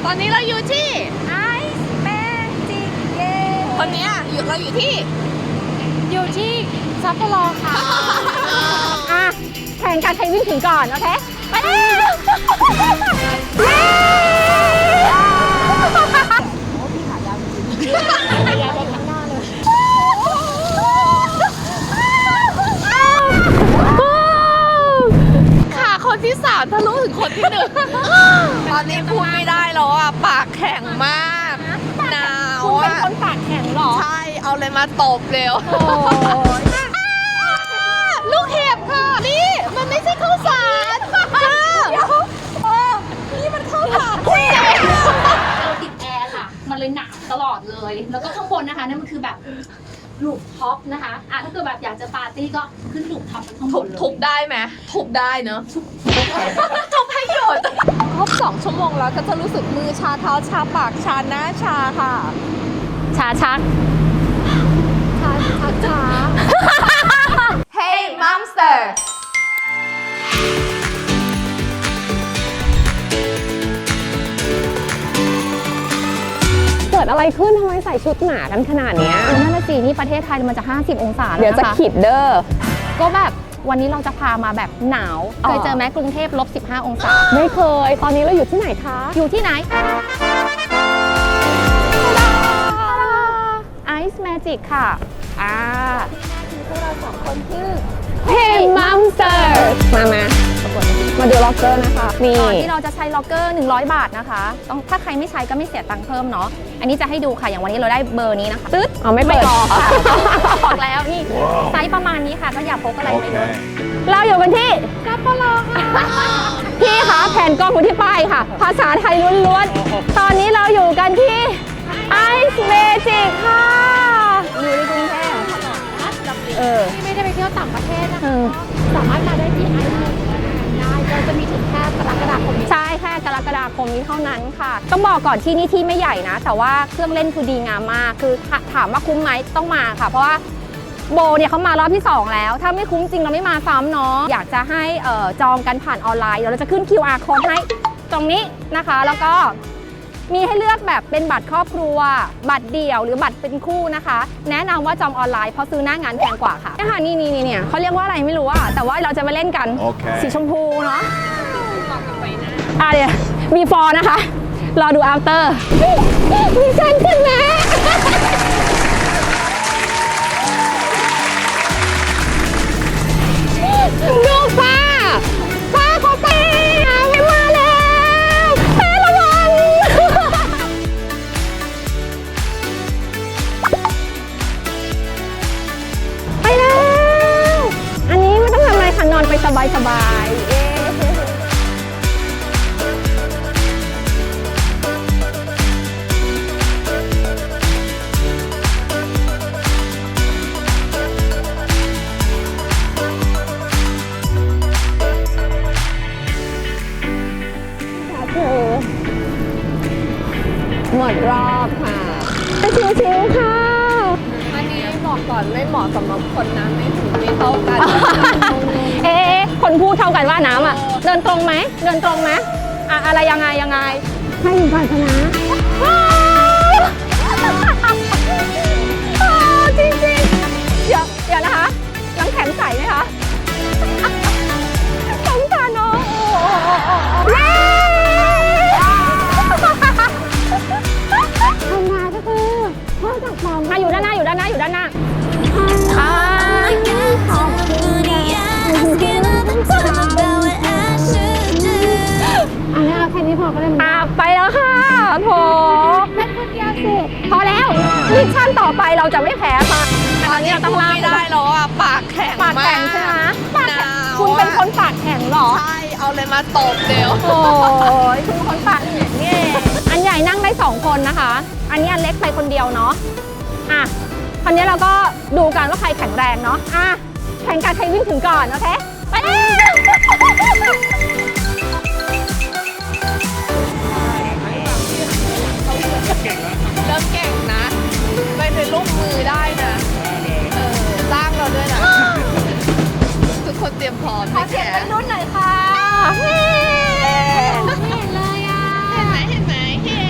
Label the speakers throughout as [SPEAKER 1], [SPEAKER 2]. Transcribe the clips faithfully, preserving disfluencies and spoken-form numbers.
[SPEAKER 1] อนนี้เราอยู่ที่
[SPEAKER 2] Ice Magic เย้
[SPEAKER 1] คนนี้อยู่เราอยู่ที่
[SPEAKER 2] อยู่ที่ซัปโปโรค่ะ อ่ะแข่งกันใครวิ่งถึงก่อน โอเค ไปเลยเย้โอ้พี่ขายาวจริงขายาวไปข้างหน้าเลย
[SPEAKER 1] ค่ะคนที่สามทะลุถึงคนที่หนึ่งตอนนี้พูดไม่ได้แล้วอ่ะปากแข็งมากหนาว
[SPEAKER 2] คุณเป็น
[SPEAKER 1] อ่ะ
[SPEAKER 2] คนปากแข็งเหรอ
[SPEAKER 1] ใช่เอาเลยมาตบเร็ว
[SPEAKER 2] โอ้ย
[SPEAKER 1] ลูกเห็บค่ะนี่มันไม่ใช่ข้าวสารค่ะ
[SPEAKER 2] เออนี่มันเข้าปาก
[SPEAKER 3] เราติดแอร์ค่ะ มันเลยหนาวตลอดเลย แล้วก็ข้างบนนะคะนั่นมันคือแบบลูปท็อปนะคะอ่ะถ้าเกิดแบบอยากจะปาร์ตี้ก็ขึ้นลูปท็อปไปข้างบ
[SPEAKER 1] ทุบ
[SPEAKER 3] นเลย
[SPEAKER 1] ทุบได้ไหมทุบได้เนอะทุบให้หยุดครบสองชั่วโมงแล้วก็จะรู้สึกมือชาเท้าชาปากชาหน้าชาค่ะ
[SPEAKER 2] ชาชักชาชักช้า
[SPEAKER 1] Hey Monster
[SPEAKER 2] เกิดอะไรขึ้นทำไมใส่ชุดหนากันขนาดเนี้ยนั่นน่ะสินี่ประเทศไทยมันจะห้าสิบองศาแล้วนะคะ
[SPEAKER 4] เดี๋ยวจะขิดเด้อ
[SPEAKER 2] ก็แบบวันนี้เราจะพามาแบบหนาว
[SPEAKER 4] อ๋อ
[SPEAKER 2] เคยเจอไหมกรุงเทพลบสิบห้าองศา
[SPEAKER 4] ไม่เคย ตอนนี้เราอยู่ที่ไหนคะ
[SPEAKER 2] อยู่ที่ไหน Ice Magic ค่ะ อ่าพวกเราสองคนชื่อ
[SPEAKER 4] Hey Monsters มามามาดูล็อกเกอร์นะคะ นี่
[SPEAKER 2] ก่อนที่เราจะใช้ล็อกเกอร์หนึ่งร้อยบาทนะคะต้องถ้าใครไม่ใช้ก็ไม่เสียตังค์เพิ่มเนาะ อันนี้จะให้ดูค่ะ อย่างวันนี้เราได้เบอร์นี้นะคะ ตึ๊ด
[SPEAKER 4] เอาไม่เปิด
[SPEAKER 2] ออกค่ะบอกแล้วนี่ไซส์ประมาณนี้ค่ะ ก็อย่าพกอะไรไปเลย
[SPEAKER 4] เราอยู่กันที่ซัปโปโรค่ะ พี่คะแผ่นกล้องอยู่ที่ป้ายค่ะ ภาษาไทยล้วนๆ ตอนนี้เราอยู่กันที่ Ice Magic ค่ะ อยู่ในกรุงเทพเออ
[SPEAKER 2] ที่ไม่ได้ไปเที่ยวต่างประเทศนะ
[SPEAKER 4] เออ
[SPEAKER 2] สามารถมาได้ที่ Ice Magic ได้เราจะมีถึงแค่กรกฎาคมนี้
[SPEAKER 4] ใช่แค่กรกฎาคมนี้เท่านั้นค่ะ ต้องบอกก่อนที่นี่ที่ไม่ใหญ่นะ แต่ว่าเครื่องเล่นคือดีงามมาก คือถถามว่าคุ้มไหมต้องมาค่ะ เพราะว่าโบเนี่ยเขามารอบที่สองแล้ว ถ้าไม่คุ้มจริงเราไม่มาซ้ำเนาะ อยากจะให้เอ่อจองกันผ่านออนไลน์เดี๋ยวเราจะขึ้น คิว อาร์ code ให้ตรงนี้นะคะ แล้วก็มีให้เลือกแบบเป็นบัตรครอบครัว บัตรเดี่ยวหรือบัตรเป็นคู่นะคะ แนะนำว่าจองออนไลน์เพราะซื้อหน้างานแพงกว่าค่ะเนี่ยค่ะนี่นี่นี่เนี่ยเขาเรียกว่าอะไรไม่รู้อะแต่ว่าเราจะมาเล่นกัน
[SPEAKER 5] โอเค
[SPEAKER 4] สีชมพูเนาะอ่ะเดี๋ยวมีฟอร์นะคะ รอดู after มีฉันขึ้นนะดูฟ้าฟ้าเขาไปไม่มาแล้วแพ้ระวังไปแล้ว อันนี้ไม่ต้องทำอะไรค่ะนอนไปสบายๆเอ๊ะหมดรอบค่ะไปชิวๆค่ะ
[SPEAKER 1] อันนี้บอกก่อนไม่เหมาะสำหรับคนน้ำไม่ถึงไม่เท่ากัน
[SPEAKER 4] เอ๊ะคนพูดเท่ากันว่าน้ำอ่ะ เดินตรงไหม เดินตรงไหมอะอะไรยังไงยังไง ให้อยู่ก่อนชนะจริงจริงๆเดี๋ยวเดี๋ยวนะคะน้ำแข็งใสไหมคะสงสารน้องเย้ทำมาก็คือพ่อจากฟองมาอยู่ด้านหน้าอยู่ด้านหน้าอยู่ด้านหน้าอ่าขอบคุณอ่ะแค่นี้พอก็ได้มั้ยไปแล้วค่ะโถพอแล้วมิชชั่นต่อไปเราจะไม่แพ้ค่ะตอนนี้เราต้องล่า
[SPEAKER 1] ไม่ได้แล้วอ่ะปากแข็ง
[SPEAKER 4] ปากแข็งใช่ไหมปาก
[SPEAKER 1] ห
[SPEAKER 4] แข็ง
[SPEAKER 1] นาว
[SPEAKER 4] คุณเป็นคนปากแข็งเหรอ
[SPEAKER 1] ใช่เอาเลยมาตบเร็ว
[SPEAKER 4] โอ้ยคุณเป็นคนปากแข็งนี่เองอันใหญ่นั่งได้สองคนนะคะ อันนี้อันเล็กไปคนเดียวเนาะอ่ะคราวนี้เราก็ดูกันว่าใครแข็งแรงเนาะอ่ะแข่งกันใครวิ่งถึงก่อนโอเคไปเลย
[SPEAKER 1] เริ่มเก่งนะไปเป็นลูกมือได้นะเออจ้างเราด้วยนะทุกคนเตรียมพร้อมไม่แก่
[SPEAKER 2] รุ่นไหนอยค่ะ
[SPEAKER 4] เฮ้
[SPEAKER 2] ไม่เห็นเลยอ่ะ
[SPEAKER 1] เห็นไหมเห็นไหมเห็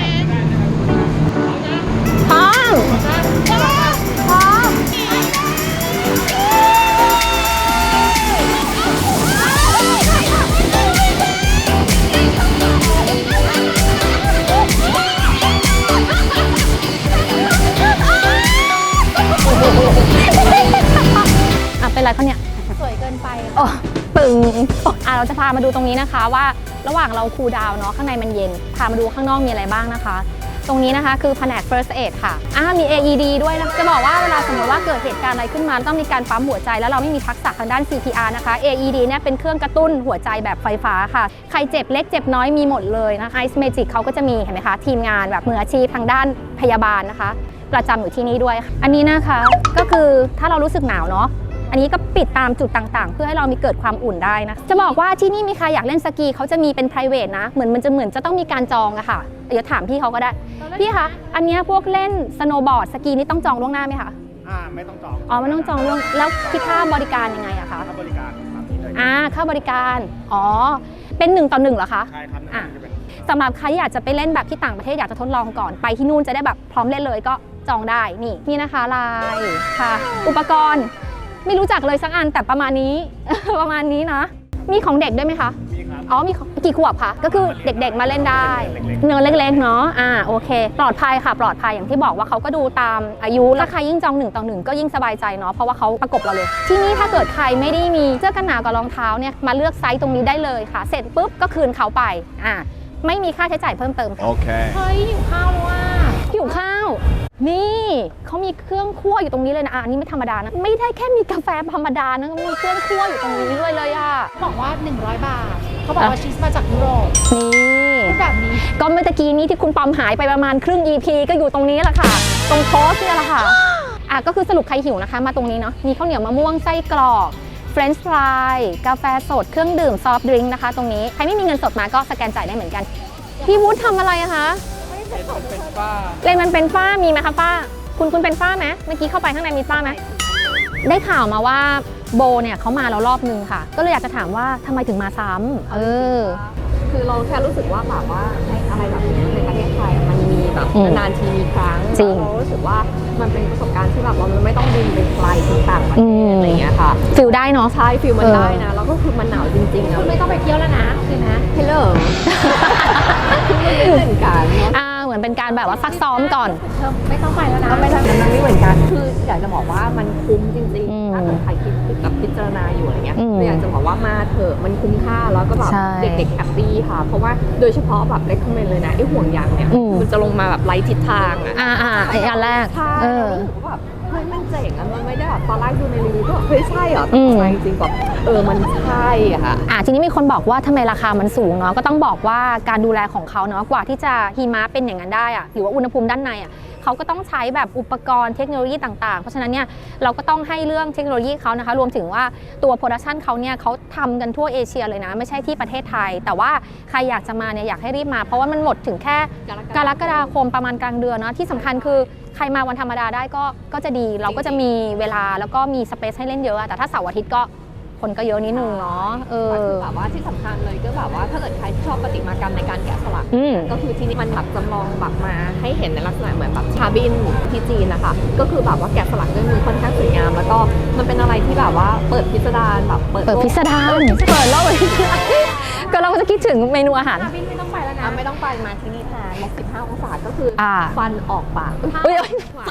[SPEAKER 4] เป็นไรเขาเนี่ย
[SPEAKER 1] สวยเกินไป
[SPEAKER 4] โอ้ตึงอ่ะเราจะพามาดูตรงนี้นะคะว่าระหว่างเราคูลดาวน์เนาะข้างในมันเย็นพามาดูข้างนอกมีอะไรบ้างนะคะ ตรงนี้นะคะคือแผนก first aid ค่ะอ่ามี เอ อี ดี ด้วยนะจะบอกว่าเวลาสมมติว่าเกิดเหตุการณ์อะไรขึ้นมาต้องมีการปั๊มหัวใจแล้วเราไม่มีทักษะทางด้าน ซี พี อาร์ นะคะ เอ อี ดี เนี่ยเป็นเครื่องกระตุ้นหัวใจแบบไฟฟ้าค่ะใครเจ็บเล็กเจ็บน้อยมีหมดเลยนะคะ Ice Magic เขาก็จะมีเห็นไหมคะทีมงานแบบมืออาชีพทางด้านพยาบาลนะคะ ประจำอยู่ที่นี่ด้วยอันนี้นะคะก็คือถ้าเรารู้สึกหนาวเนาะอันนี้ก็ปิดตามจุดต่างๆเพื่อให้เรามีเกิดความอุ่นได้นะจะบอกว่าที่นี่มีใครอยากเล่นสกีเขาจะมีเป็น private นะเหมือนมันจะเหมือนจะต้องมีการจองอะค่ะเดี๋ยวถามพี่เขาก็ได้พี่คะอันเนี้ยพวกเล่นสโนว์บอร์ดสกีนี่ต้องจองล่วงหน้าไหมคะ
[SPEAKER 5] อ่าไม่ต้องจอง
[SPEAKER 4] อ๋อไม่ต้องจองล่วงแล้วคิดค่าบริการยังไงอะคะ
[SPEAKER 5] ค่าบริการตามนี้เลย
[SPEAKER 4] อ่าค่าบริการอ๋อเป็นหนึ่งต่อหนึ่งเหรอคะ
[SPEAKER 5] ใช่ครับ
[SPEAKER 4] อ่ะ
[SPEAKER 5] จะเป็น
[SPEAKER 4] สำหรับใครอยากจะไปเล่นแบบที่ต่างประเทศอยากจะทดลองก่อนไปที่นู่นจะได้แบบพร้อมเล่นเลยก็จองได้นี่นี่นะคะลายค่ะ อุปกรณ์ไม่รู้จักเลยสักอันแต่ประมาณนี้ ประมาณนี้นะมีของเด็กด้วยไหมคะ
[SPEAKER 5] มีครับ
[SPEAKER 4] อ๋อมีของกี่ขวบคะก็คือเด็กๆมาเล่นได้เนื้อเล็กๆเนาะอ่าโอเค ปลอดภัยค่ะปลอดภัยอย่างที่บอกว่าเขาก็ดูตามอายุแล้วใครยิ่งจองหนึ่งต่อหนึ่งก็ยิ่งสบายใจเนาะเพราะว่าเขาประกบเราเลย ที่นี่ถ้าเกิดใครไม่ได้มีเสื้อกันหนาวกับรองเท้าเนี่ยมาเลือกไซส์ตรงนี้ได้เลยค่ะ เสร็จปุ๊บก็คืนเขาไปอ่าไม่มีค่าใช้จ่ายเพิ่มเติมค่ะ
[SPEAKER 5] Okay.
[SPEAKER 1] เฮ้ยหิวข้าวแล้วว่ะ
[SPEAKER 4] หิวข้าวนี่เขามีเครื่องคั่วอยู่ตรงนี้เลยนะอ่ะอันนี้ไม่ธรรมดานะไม่ได้แค่มีกาแฟธรรมดานะมีเครื่องคั่วอยู่ตรงนี้ด้วยเลยอ่ะ
[SPEAKER 1] บอกว่าหนึ่งร้อยบาทเขาบอกว่าชีสมาจากยุโรป
[SPEAKER 4] นี่
[SPEAKER 1] พูดแบบนี้
[SPEAKER 4] ก็เมื่อตะกี้นี้ที่คุณปอมหายไปประมาณครึ่ง อี พี ก็อยู่ตรงนี้แหละค่ะ ตรงโพสต์เนี่ยแหละค่ะอ่ะก็คือสรุปใครหิวนะคะ มาตรงนี้เนาะมีข้าวเหนียวมะม่วงไส้กรอกเฟรนช์ฟรายกาแฟสดเครื่องดื่มซอฟต์ดริงก์นะคะ ตรงนี้ใครไม่มีเงินสดมาก็สแกนจ่ายได้เหมือนกันพี่วุฒิทำอะไรอะคะเล่นมันเป็นฝ้ามีไหมคะฝ้าคุณคุณเป็นฝ้าไหมเมื่อกี้เข้าไปข้างในมีฝ้าไหมได้ข่าวมาว่าโบเนี่ยเขามาแล้วรอบนึงค่ะ ก็เลยอยากจะถามว่าทำไมถึงมาซ้ำเออ
[SPEAKER 2] คือเราแค่รู้สึกว่าแบบว่าไอ้อะไรแบบนี้ในประเทศไทยอะมันมีแบบ
[SPEAKER 4] อืม
[SPEAKER 2] นานๆทีมีครั้ง
[SPEAKER 4] จริง
[SPEAKER 2] เรารู้สึกว่ามันเป็นประสบการณ์ที่แบบว่ามันไม่ต้องบินไปไกลถึงต่างประ
[SPEAKER 4] อื
[SPEAKER 2] เทศ
[SPEAKER 4] ม
[SPEAKER 2] อะไรอย่างเงี้ยค่ะ
[SPEAKER 4] ฟิลได้เนาะ
[SPEAKER 2] ใช่ฟิลมัน
[SPEAKER 4] เออ
[SPEAKER 2] ได้นะแล้วก็คือมันหนาวจริงๆนะ
[SPEAKER 1] คุณไม่ต้องไปเที่ยวแล้วนะคือนะ
[SPEAKER 2] เฮลโหลคือมันไม่เหมือนกันเนาะ
[SPEAKER 4] อ่าเหมือนเป็นการแบบว่าซักซ้อมก่อน
[SPEAKER 1] เธอไม่ต้องไปแล้วนะ
[SPEAKER 2] ก็ไม่ใช่มันไม่เหมือนกันคืออยากจะบอกว่ามันคุ้มจริง
[SPEAKER 4] อืม
[SPEAKER 2] ๆถ้าเกิดใครคิดกับพิจารณาอยู่อะไรเงี้ย
[SPEAKER 4] อืม
[SPEAKER 2] ก็อยากจะบอกว่ามาเถอะมันคุ้มค่าแล้วก็แบบ
[SPEAKER 4] ใช่
[SPEAKER 2] เด็กๆแฮปปี้ค่ะ เพราะว่าโดยเฉพาะแบบเลคคอมเมนต์เลยนะไอ้ห่วงยางเนี่ย
[SPEAKER 4] อืม
[SPEAKER 2] มันจะลงมาแบบไร้ทิศทางอะ
[SPEAKER 4] อ่าอ่าไอ้อันแรก
[SPEAKER 2] ใช่
[SPEAKER 4] เออ
[SPEAKER 2] รู้สึกว่าแบบเฮ้ยมันเจ๋งอะมันไม่ได้แบบตอนแรกดูในรีวิวก็แบบเฮ้ยใช่เหรอ
[SPEAKER 4] อืม
[SPEAKER 2] แต่จริงๆแบบเออมันใช่อะค่ะ
[SPEAKER 4] อ่าทีนี้มีคนบอกว่าทำไมราคามันสูงเนาะก็ต้องบอกว่าการดูแลของเขาเนาะกว่าที่จะหิมะเป็นอย่างนั้นได้อะหรือว่าอุณหภูมิด้านในอะเขาก็ต้องใช้แบบอุปกรณ์เทคโนโลยีต่างๆ เพราะฉะนั้นเนี่ยเราก็ต้องให้เรื่องเทคโนโลยีเขานะคะรวมถึงว่าตัวโปรดักชันเขาเนี่ยเขาทำกันทั่วเอเชียเลยนะไม่ใช่ที่ประเทศไทย แต่ว่าใครอยากจะมาเนี่ยอยากให้รีบมาเพราะว่ามันหมดถึงแค่กรกฎาคมประมาณกลางเดือนเนาะที่สำคัญคือใครมาวันธรรมดาได้ก็ก็จะดีเราก็จะมีเวลาแล้วก็มีสเปซให้เล่นเยอะอะแต่ถ้าเสาร์อาทิตย์ก็คนก็เยอะนิดนึงเนาะเออ
[SPEAKER 2] คือแบบว่าที่สำคัญเลยก็แบบว่าถ้าเกิดใครชอบประติมากรรมในการแกะสลัก
[SPEAKER 4] อืม
[SPEAKER 2] ก็คือที่นี่มันแบบจำลองแบบมาให้เห็นในลักษณะเหมือนแบบชาบินที่จีนนะคะก็คือแบบว่าแกะสลักด้วยมือค่อนข้างสวยงาม แล้วก็มันเป็นอะไรที่แบบว่าเปิดพิสดารแบบเปิด
[SPEAKER 4] เปิด
[SPEAKER 2] โลก
[SPEAKER 4] พิสดารเปิดโลกเลยก็เราก็จะคิดถึงเมนูอาหาร
[SPEAKER 1] คาบินไม่ต้องไปแล้วนะ
[SPEAKER 2] อ่ะไม่ต้องไปมาที่นี่แทนลบสิบห้าองศาก็คืออา ฟันออกปาก
[SPEAKER 4] เอ้ย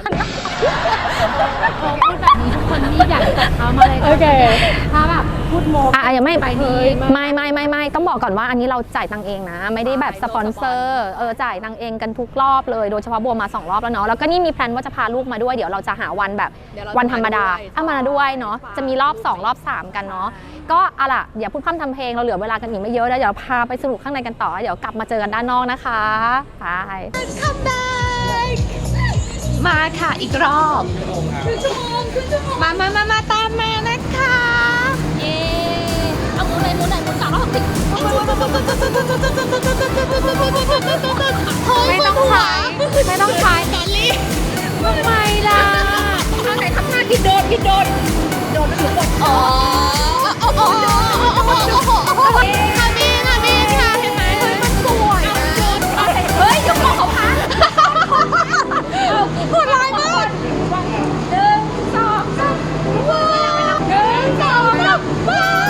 [SPEAKER 1] พูดแบบนี้ทุกคนนี่อยากจัดเขามาเลย
[SPEAKER 4] โอเค
[SPEAKER 1] ถ้าแบบพูดโม
[SPEAKER 4] อ่ะยังไม่
[SPEAKER 1] ไปดี
[SPEAKER 4] ไม่ไม่ไม่ไม่ต้องบอกก่อนว่าอันนี้เราจ่ายตังค์เองนะ ไม่ได้แบบสปอนเซอร์เออจ่ายตังค์เองกันทุกรอบเลยโดยเฉพาะบัวมาสองรอบแล้วเนาะแล้วก็นี่มีแพลนว่าจะพาลูกมาด้วยเดี๋ยวเราจะหาวันแบบ
[SPEAKER 2] เดี๋ยเ
[SPEAKER 4] วันธรรมดา
[SPEAKER 2] จะ
[SPEAKER 4] เอามาด้วยเนาะจะมีรอบสองรอบสามกันเนาะก็เอาล่ะอย่าพูดพร่ำทำเพลงเราเหลือเวลากันอีกไม่เยอะแล้วเดี๋ยวพาไปสนุกข้างในกันต่อเดี๋ยวกลับมาเจอกันด้านนอกนะคะไป
[SPEAKER 1] มาค่ะอีกรอบคือชั่วโมงคือชั่วโมงมามามามาตามมานะคะเย้เอาหมุนเลยหมุนไหนหมุนสามรอบสิไม่ต้องใช้ไม่ต้องใช้ดอลลี่ทำไมล่ะเอาไหนทำหน้าผิดโดนผิดโดนโดนหรือบดอ๋อโอ้โหคาบินคาบินค่ะเห็นไหมเฮ้ยมันสวยนะเฮ้ยยกของเขาพังโหดร้ายมากหนึ่งสองสามว้าวหนึ่งสองสามว้า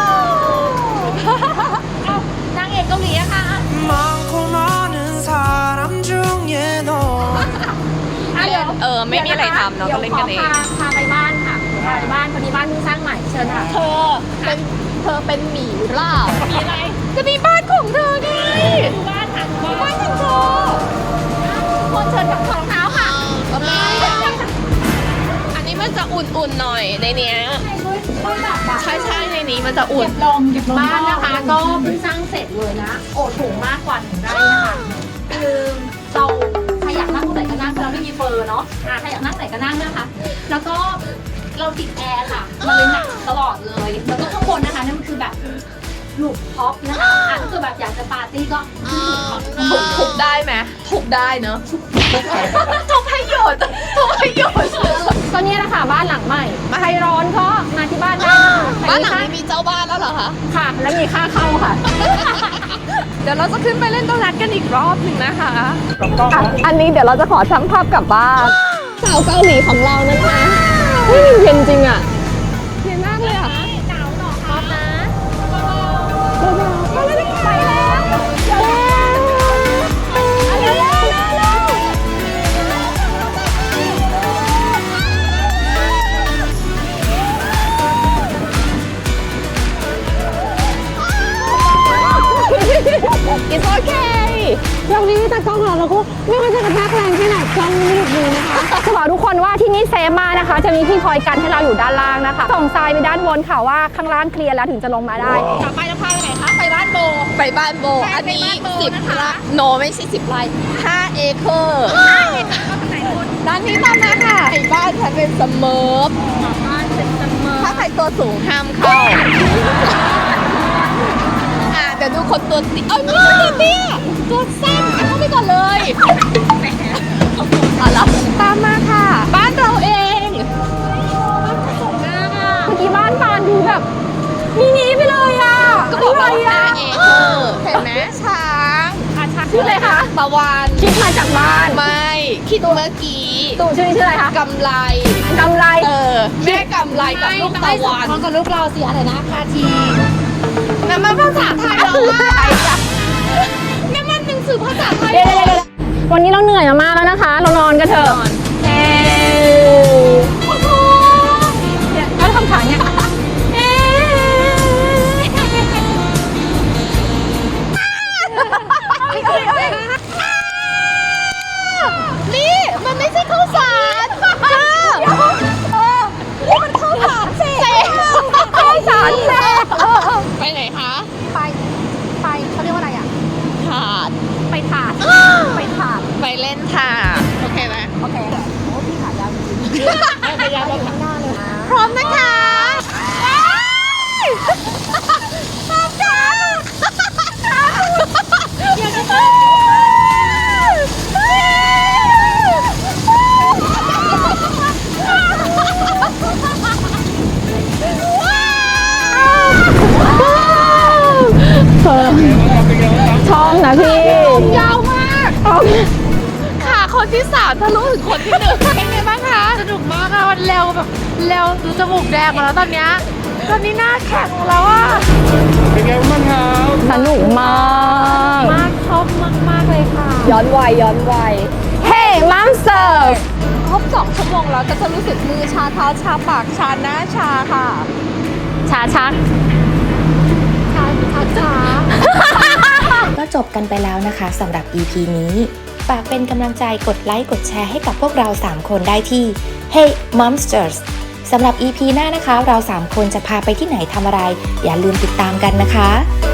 [SPEAKER 1] วนางเอกเกาหลีอะค่ะ
[SPEAKER 6] 많고 많은 사람 중에 너
[SPEAKER 1] เดี๋ยว
[SPEAKER 2] เออไม่มีอะไรทำเนาะก็เล่นกันเอง
[SPEAKER 1] พาพาไปบ้านค่ะ
[SPEAKER 4] ค่ะบ้านพอดีบ้านเพิ่งสร้างใหม่เชิญค่ะ
[SPEAKER 2] เธอเป็นเธอเป็นหมีหรือเปล่า
[SPEAKER 4] มีอะไร
[SPEAKER 2] ก็มีบ้านของเธอไง
[SPEAKER 4] ดูบ้านค่ะดู
[SPEAKER 2] บ้า
[SPEAKER 4] บ้าน น
[SPEAKER 2] ของเธอ
[SPEAKER 4] คนเชิญกับรองเท้าค่ะ
[SPEAKER 2] ก็มีอันนี้มันจะอุ่นๆหน่อยในเนี้ย ใช่ใช่ในนี้มันจะอุ่น
[SPEAKER 3] ลมเก็บลม
[SPEAKER 4] บ้านนะคะก็เพิ่งสร้างเสร็จเลยนะ โอ้ถูกมากกว่าหนึ่งไร่นะคะคือเราใครอยากนั่งตรงไหนก็นั่งเราไม่มีเฟอร์เนาะอ่าใครอยากนั่งไหนก็นั่งนะคะ แล้วก็เราติดแอร์ค่ะ มันเลยหนักตลอดเลย แล้วก็ข้างบนนะคะนั่นมันคือแบบลูกท็อปนะคะอ่ะถ้าเกิดแบบอยากจะปาร์ตี้ก็ขึ้นลูกท็อป
[SPEAKER 2] ทุบทุบได้ไหมทุบได้เนอะทุบให้หยดทุบให้หยด
[SPEAKER 4] ก็เนี่ยแหละค่ะบ้านหลังใหม่ใครร้อนก็มาที่บ้านได้นะคะ
[SPEAKER 2] บ้านหลังนี้มีเจ้าบ้านแล้วเหรอคะ
[SPEAKER 4] ค่ะ และมีค่าเข้าค่ะ
[SPEAKER 2] เดี๋ยวเราจะขึ้นไปเล่นโดนัทกันอีกรอบหนึ่งนะคะ
[SPEAKER 5] กับกล้องนะ
[SPEAKER 2] อันนี้เดี๋ยวเราจะขอช่างภาพกลับบ้านสาวเกาหลีของเรานะคะเฮ้ยเย็นจริงอ่ะเย็นมากเลยอ่ะ
[SPEAKER 4] หนาวหนอครับนะ
[SPEAKER 2] ไปแล้วไปแล้วเร็วเร็วเร็วเร็วIt's okay
[SPEAKER 4] ยังมีแต่กล้องเราแล้วก็ไม่ว่าจะกระแทกแรงแค่ไหนกล้องไม่หยุดมือนะคะจะบอกทุกคนว่าที่นี่เซฟมากนะคะ จะมีที่คอยกันให้เราอยู่ด้านล่างนะคะส่งทรายไปด้านบนค่ะว่าข้างล่างเคลียร์แล้วถึงจะลงมาได้ต่อไปจะพาไปไหนคะไปบ้านโบ
[SPEAKER 2] ไปบ้านโบ อันนี้
[SPEAKER 4] ไปบ้านโบ
[SPEAKER 2] สิบ
[SPEAKER 4] นะคะ
[SPEAKER 2] ไร่โนไม่ใช่สิบไร่ห้าเอเคอร์ด้านนี้ตามมาค่ะไอ้บ้านฉันเป็นเสมอ
[SPEAKER 4] บ้านเป็นเสมอ
[SPEAKER 2] ถ้าใครตัวสูงห้ามเข้า อ่ะเดี๋ยวดูคนตัวติเอ้ยนี่ตัวเตี้ยตัวสั้นเข้าไปก่อนเลยเอาละตามมาค่ะ บ้านเราเอง
[SPEAKER 4] เมื่อกี้บ้านปานดูแบบมินิไปเลยอ่ะ
[SPEAKER 2] ก็บอกว่า
[SPEAKER 4] ะไร
[SPEAKER 2] ห้า
[SPEAKER 4] อ่ะ
[SPEAKER 2] เอเคอร์เห็นไหมช้าง
[SPEAKER 4] อาชักชื่ออะไรคะ
[SPEAKER 2] ตะวัน
[SPEAKER 4] คิดมาจากบ้าน
[SPEAKER 2] ไม่คิดเมื่อกี้
[SPEAKER 4] ตู่ชื่อนี้ชื่ออะไรคะ
[SPEAKER 2] กำไร
[SPEAKER 4] กำไร
[SPEAKER 2] เออแม่กำไรกับลูกตะวัน
[SPEAKER 3] พร้อมกับลูกเราเสียอะไรนะคาที
[SPEAKER 2] นั่นมันภาษาไทยเหรอวะนั่นมันหนังสือภาษาไทย
[SPEAKER 4] เดี๋ยวเดี๋ยวเดี๋ยววันนี้เราเหนื่อยมามากแล้วนะคะ เรานอนกันเถอะเฮ้โอ้โหเนี่ยเขาทำขาเนี่ยเอ๊
[SPEAKER 2] นี่มันไม่ใช่ข้าวสารเออเออนี่มันข้าวสารเสก
[SPEAKER 4] ข้าวสารแซ่บ
[SPEAKER 2] ไปไหนคะ
[SPEAKER 4] ไปไปเขาเรียกว่าอะไรอ่ะ
[SPEAKER 2] ถาด
[SPEAKER 4] ไปถาดไปถาด
[SPEAKER 2] ไปเล่นถาดโอเคไหม
[SPEAKER 4] โอเคโอ้พี่ขายาวจริงๆไปยาวข้างหน้าเลยนะ
[SPEAKER 2] พร้อมนะคะพร้อมจ้าอยากจะไป
[SPEAKER 4] ชอบนะพี่
[SPEAKER 2] ยาวมากค่ะคนที่สามทะลุถึงคนที่หนึ่งเป็นไงบ้างคะสนุกมากค่ะมันเร็วแบบเร็วดูจมูกแดงหมดแล้วตอนเนี้ยตอนนี้หน้าแข็งแล้วอ่ะ
[SPEAKER 5] เป็นไงบ้างครับ
[SPEAKER 4] สนุกมาก
[SPEAKER 2] มากชอบมากมากเลยค่ะ
[SPEAKER 4] ย้อนวัยย้อนวัยเฮ้มัมเสิร์ฟ
[SPEAKER 2] ครบสองชั่วโมงแล้วก็จะรู้สึกมือชาเท้าชาปากชาหน้าชาค่ะ
[SPEAKER 4] ชาชัก
[SPEAKER 2] ชาชาชา
[SPEAKER 7] ก็จบกันไปแล้วนะคะสำหรับ อี พี นี้ฝากเป็นกำลังใจกดไลค์กดแชร์ให้กับพวกเราสามคนได้ที่ Hey Momsters สำหรับ อี พี หน้านะคะ เราสามคนจะพาไปที่ไหนทำอะไร อย่าลืมติดตามกันนะคะ